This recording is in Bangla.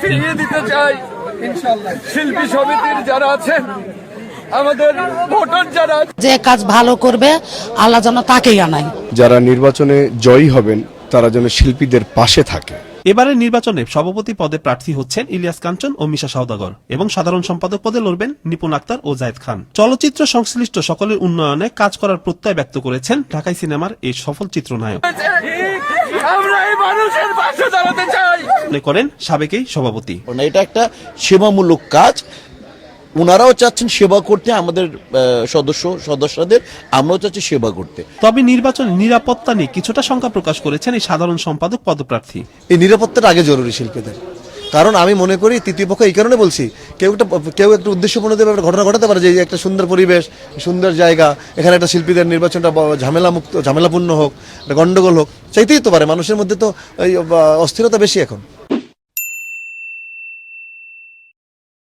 ফিরিয়ে দিতে চাই। শিল্পী সমিতির যারা আছেন, আমাদের ভোটার যারা, যে কাজ ভালো করবে আল্লাহ যেন তাকেই আনায়। যারা নির্বাচনে জয়ী হবেন তারা যেন শিল্পীদের পাশে থাকে। এবারের নির্বাচনে সভাপতি পদে প্রার্থী হচ্ছেন ইলিয়াস কাঞ্চন ও মিশা সওদাগর এবং সাধারণ সম্পাদক পদে লড়বেন নিপুণ আক্তার ও জায়েদ খান। চলচ্চিত্র সংশ্লিষ্ট সকলের উন্নয়নে কাজ করার প্রত্যয় ব্যক্ত করেছেন ঢাকাই সিনেমার এই সফল চিত্রনায়ক। আমরা এই মানুষের পাশে দাঁড়াতে চাই মনে করেন সাবেক এই সভাপতি। এটা একটা সেবামূলক কাজ, ওনারাও চাচ্ছেন সেবা করতে, আমাদের সদস্যদের আমরাও চাচ্ছি সেবা করতে। তবে নির্বাচনে নিরাপত্তা নিয়ে কিছুটা শঙ্কা প্রকাশ করেছেন এই সাধারণ সম্পাদক পদপ্রার্থী। এই নিরাপত্তাটা আগে জরুরি শিল্পীদের, কারণ আমি মনে করি তৃতীয় পক্ষ এই কারণে বলছি, কেউ একটা উদ্দেশ্যপূর্ণভাবে একটা ঘটনা ঘটাতে পারে যে একটা সুন্দর পরিবেশ, সুন্দর জায়গা, এখানে একটা শিল্পীদের নির্বাচনটা ঝামেলাপূর্ণ হোক, একটা গন্ডগোল হোক, চাইতেই তো পারে। মানুষের মধ্যে তো অস্থিরতা বেশি এখন।